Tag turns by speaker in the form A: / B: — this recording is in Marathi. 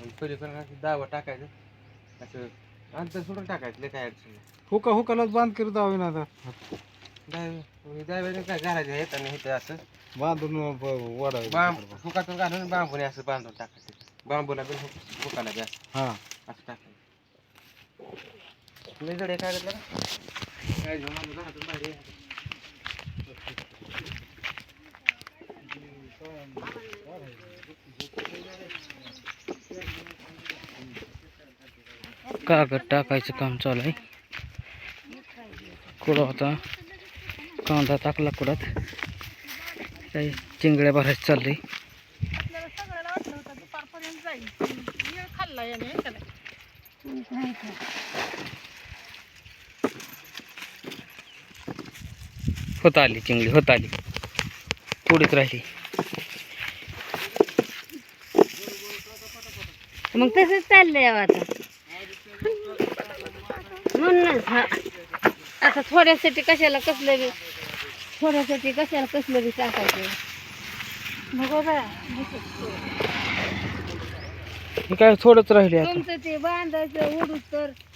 A: पलीकडे दावा टाकायचं असं अंतर सोडून टाकायचं लय काय अडचण नाही.
B: हुकालाच बांध करीत जावे ना आता
A: दाव्याने काय घालायचं हे आणि इथं असं
B: बांधून वाढावे
A: फुकातून घालून बांबूने असं बांधून टाकायचं बांबूला बी फुकाला बी असं
B: हा
A: असं टाकायचं लय जड आहे काय घेतलं काय घेऊन आलो घरातून बाहेर ये.
C: कागद टाकायचं काम चालू आहे. कुठं होता कांदा टाकला कुडात काही चिंगड्या भरायचं चाललंय.
D: आपल्याला सगळ्याला वाटलं होतं दुपारपर्यंत जाईल वेळ खाल्ला याने हे का नाही?
C: होत आली चिंगडी होत आली पुढेच राहिली.
E: मग तसंच चाललंय आता म्हणूनच हा आता थोड्यासाठी कशाला कसलं बी टाकायचं बघा बा
C: हे काय थोडंच राहिले आता.
E: तुमचं ते बांधायचं उडूस तर